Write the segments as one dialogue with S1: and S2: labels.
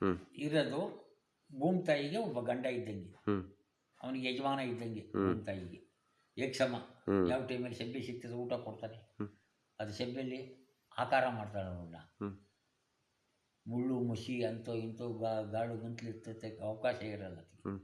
S1: ಇರೋದು ಭೂಮಿ ತಾಯಿಗೆ ಒಬ್ಬ ಗಂಡ ಇದ್ದಂಗೆ, ಅವನಿಗೆ ಯಜಮಾನ ಇದ್ದಂಗೆ. ಭೂಮಿ ತಾಯಿಗೆ ಏಕಸಮ. ಯಾವ ಟೈಮಲ್ಲಿ ಸೆಬ್ಬೆ ಸಿಗ್ತದೆ ಊಟ ಕೊಡ್ತಾನೆ. ಅದು ಸೆಬ್ಬೆಯಲ್ಲಿ ಆಕಾರ ಮಾಡ್ತಾಳೆ ಅವನ್ನ. ಮುಳ್ಳು ಮುಸಿ ಅಂತೋ ಇಂಥೋ ಗಾಳು ಗಂಟ್ಲು ಇರ್ತೈತೆ, ಅವಕಾಶ ಇರಲ್ಲ.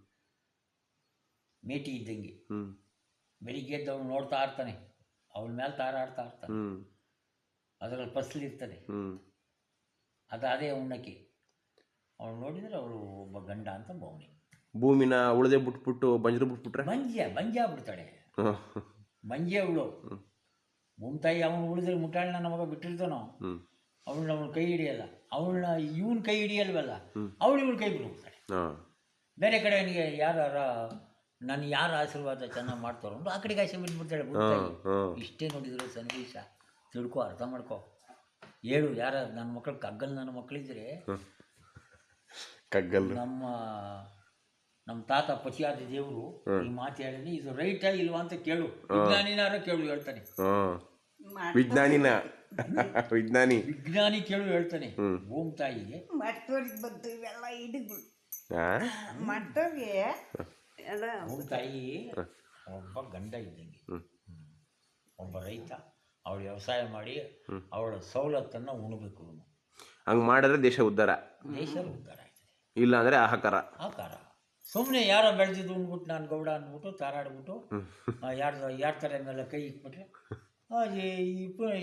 S1: ಮೇಟಿ ಇದ್ದಂಗೆ. ಬೆಳಿಗ್ಗೆ ಎದ್ದು ಅವನು ನೋಡ್ತಾ ಇರ್ತಾನೆ, ಅವಳ ಮೇಲೆ ತಾರಾಡ್ತಾ ಇರ್ತಾನೆ. ಅದರಲ್ಲಿ ಫಸಲಿರ್ತದೆ, ಅದೇ ಉಣ್ಣಕ್ಕೆ. ಅವಳು ನೋಡಿದರೆ ಅವಳು ಒಬ್ಬ ಗಂಡ ಅಂತ ಭಾವನೆ.
S2: ಭೂಮಿನ ಉಳದೆ ಬಿಟ್ಬಿಟ್ಟು ಬಂಜರು ಬಿಟ್ಬಿಟ್ರೆ
S1: ಬಂಜೆ ಆಗ್ಬಿಡ್ತಾಳೆ. ಬಂಜೆ ಅವಳು. ಭೂಮಿ ತಾಯಿ ಅವನು ಉಳಿದ್ರೆ ಮುಟ್ಟಾಳನ್ನ ನಮಗ ಬಿಟ್ಟಿರ್ತಾನೋ, ಅವಳನ್ನ ಕೈ ಹಿಡಿಯಲ್ಲ. ಅವಳನ್ನ ಇವನ್ ಕೈ ಹಿಡಿಯಲ್ವಲ್ಲ, ಇವಳು ಕೈ ಬಿಡ್ಬಿಡ್ತಾಳೆ. ಬೇರೆ ಕಡೆ ಅವನಿಗೆ ನಾನು ಯಾರ ಆಶೀರ್ವಾದ ಚೆನ್ನಾಗಿ ಮಾಡ್ತಾರೋ ಆ ಕಡೆಗೆ ಆಸೆ ಬಿಟ್ಬಿಡ್ತಾಳೆ ಭೂಮಿ ತಾಯಿ. ಇಷ್ಟೇ ನೋಡಿದ್ರು ಸನ್ನಿವೇಶ ತಿಳ್ಕೊ, ಅರ್ಥ ಮಾಡ್ಕೊ, ಹೇಳು. ಯಾರ ನನ್ನ ಮಕ್ಕಳು ಕಗ್ಗಲ್ ನನ್ನ ಮಕ್ಕಳಿದ್ರೆ
S2: ಕಗ್ಗಲ್
S1: ನಮ್ಮ ತಾತ ಪತಿಯಾದ ದೇವರು ಈ ಮಾತು ಹೇಳಿದ್ರೆ ಇದು ರೈಟಾ ಇಲ್ವಾ ಅಂತ ಕೇಳು. ವಿಜ್ಞಾನಿನಾರ ಕೇಳು ಹೇಳ್ತಾನೆ. ವಿಜ್ಞಾನಿ ಕೇಳು ಹೇಳ್ತಾನೆ. ಭೂಮಿ ತಾಯಿಗೆ ಭೂಮಿ ತಾಯಿ ಒಬ್ಬ ಗಂಡ ಇದ್ದಂಗೆ, ಒಬ್ಬ ರೈತ. ಅವಳು ವ್ಯವಸಾಯ ಮಾಡಿ ಅವಳ ಸವಲತ್ತನ್ನು ಉಣಬೇಕು.
S2: ಹಂಗೆ ಮಾಡಿದ್ರೆ ದೇಶ ಉದ್ಧಾರ
S1: ಆಯ್ತದೆ.
S2: ಇಲ್ಲ ಅಂದರೆ ಆಹಾಕಾರ.
S1: ಸುಮ್ಮನೆ ಯಾರೋ ಬೆಳೆದಿದ್ದು ಅಂದ್ಬಿಟ್ಟು ನಾನು ಗೌಡ ಅಂದ್ಬಿಟ್ಟು ತಾರಾಡ್ಬಿಟ್ಟು ಯಾರ ಥರ ಮೇಲೆ ಕೈ ಇಟ್ಬಿಟ್ರೆ